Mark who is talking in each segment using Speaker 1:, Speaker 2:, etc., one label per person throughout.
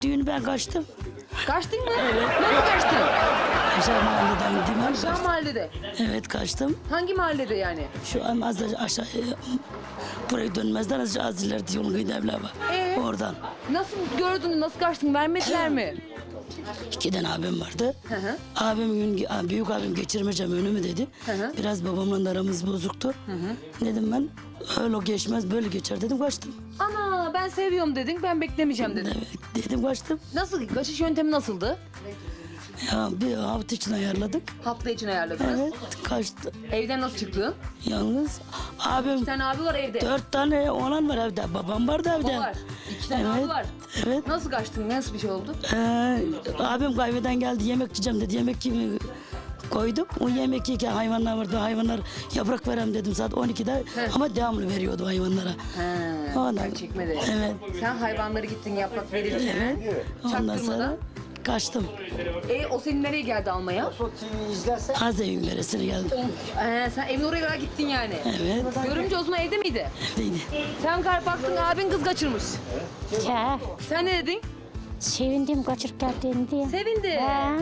Speaker 1: Düğünü ben kaçtım.
Speaker 2: Kaçtın mı? Evet. Nasıl kaçtın?
Speaker 1: Aşağı mahalleden gittim.
Speaker 2: Aşağı mahallede.
Speaker 1: Evet kaçtım.
Speaker 2: Hangi mahallede yani?
Speaker 1: Şu an az da aşağı buraya dönmezden az ileride yolun kıyıda evler var. Oradan.
Speaker 2: Nasıl gördün, nasıl kaçtın? Vermediler mi?
Speaker 1: 2 tane abim vardı.
Speaker 2: hı.
Speaker 1: Büyük abim geçirmeyeceğim önümü dedi.
Speaker 2: hı.
Speaker 1: Biraz babamla da aramız bozuktu. Dedim ben öyle geçmez böyle geçer dedim kaçtım.
Speaker 2: Ana ben seviyorum dedin, ben beklemeyeceğim dedin.
Speaker 1: Evet dedim kaçtım.
Speaker 2: Nasıl, kaçış yöntemi nasıldı?
Speaker 1: Ya bir hafta için ayarladık.
Speaker 2: Hafta için ayarladınız.
Speaker 1: Evet kaçtı.
Speaker 2: Evden nasıl çıktın?
Speaker 1: Yalnız abim
Speaker 2: Bir tane abi var evde.
Speaker 1: 4 tane oğlan var evde. Babam vardı evde.
Speaker 2: O var. 2 tane
Speaker 1: Evet,
Speaker 2: abi var.
Speaker 1: evet.
Speaker 2: Nasıl kaçtın? Nasıl bir şey oldu?
Speaker 1: Abim kahveden geldi yemek yiyeceğim dedi. Yemek koyduk. O yemek yerken hayvanlar vardı. Hayvanlar yaprak verem dedim saat 12'de. Ama devamlı veriyordu hayvanlara. Ondan,
Speaker 2: Çekmedi.
Speaker 1: evet.
Speaker 2: Sen hayvanları gittin yaprak verirken.
Speaker 1: Ondan sonra
Speaker 2: Çaktırmadan.
Speaker 1: kaçtım.
Speaker 2: O senin nereye geldi almaya?
Speaker 1: Azevin veresine geldim.
Speaker 2: Sen evin oraya kadar gittin yani.
Speaker 1: Evet.
Speaker 2: Görümce o zaman evde miydi?
Speaker 1: Evdeydi.
Speaker 2: Sen baktın abin kız kaçırmış.
Speaker 3: Ya
Speaker 2: Sen ne dedin?
Speaker 3: sevindim kaçırıp geldiğini diye.
Speaker 2: Sevindi.
Speaker 3: Ha.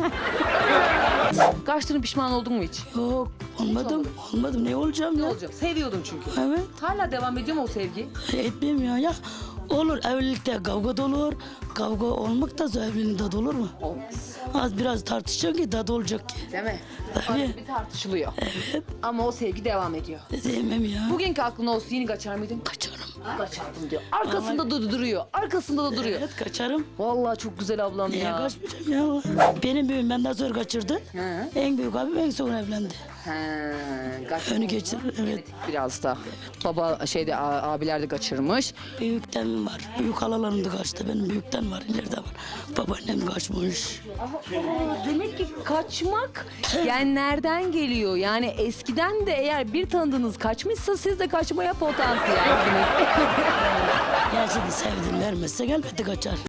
Speaker 2: Kaçtığını pişman oldun mu hiç?
Speaker 1: Yok olmadım. Olmadım. Ne olacağım
Speaker 2: Ne
Speaker 1: ya?
Speaker 2: olacak? Seviyordun çünkü.
Speaker 1: Evet.
Speaker 2: Hala devam ediyor mu o sevgi?
Speaker 1: Etmeyeyim ya. Ya olur evlilikte kavga da olur. Kavga olmak da zor, evliliğin tadı olur mu?
Speaker 2: Olmaz.
Speaker 1: Az biraz tartışacak ki tadı olacak ki.
Speaker 2: Değil mi?
Speaker 1: Tabii.
Speaker 2: Arada bir tartışılıyor. Ama o sevgi devam ediyor.
Speaker 1: Sevmem ya.
Speaker 2: Bugünkü aklın olsun yine kaçar mıydın?
Speaker 1: Kaçarım.
Speaker 2: Kaçardım diyor. Arkasında da duruyor. Arkasında da duruyor.
Speaker 1: Evet kaçarım.
Speaker 2: Vallahi çok güzel ablam
Speaker 1: Niye
Speaker 2: ya.
Speaker 1: kaçmayacağım ya? Benim büyüğüm benden sonra kaçırdı.
Speaker 2: Hı.
Speaker 1: En büyük abim en son evlendi. Önü geçirir. Evet.
Speaker 2: Biraz da. Baba abiler de kaçırmış.
Speaker 1: Büyükten var. Büyük halalarım da kaçtı. Benim büyükten var. İleride var. Babaannem kaçmış.
Speaker 2: Demek ki kaçmak genlerden geliyor. Yani eskiden de eğer bir tanıdığınız kaçmışsa siz de kaçmaya potansiyelsiniz.
Speaker 1: Gerçekten sevdim vermezse elbette kaçar.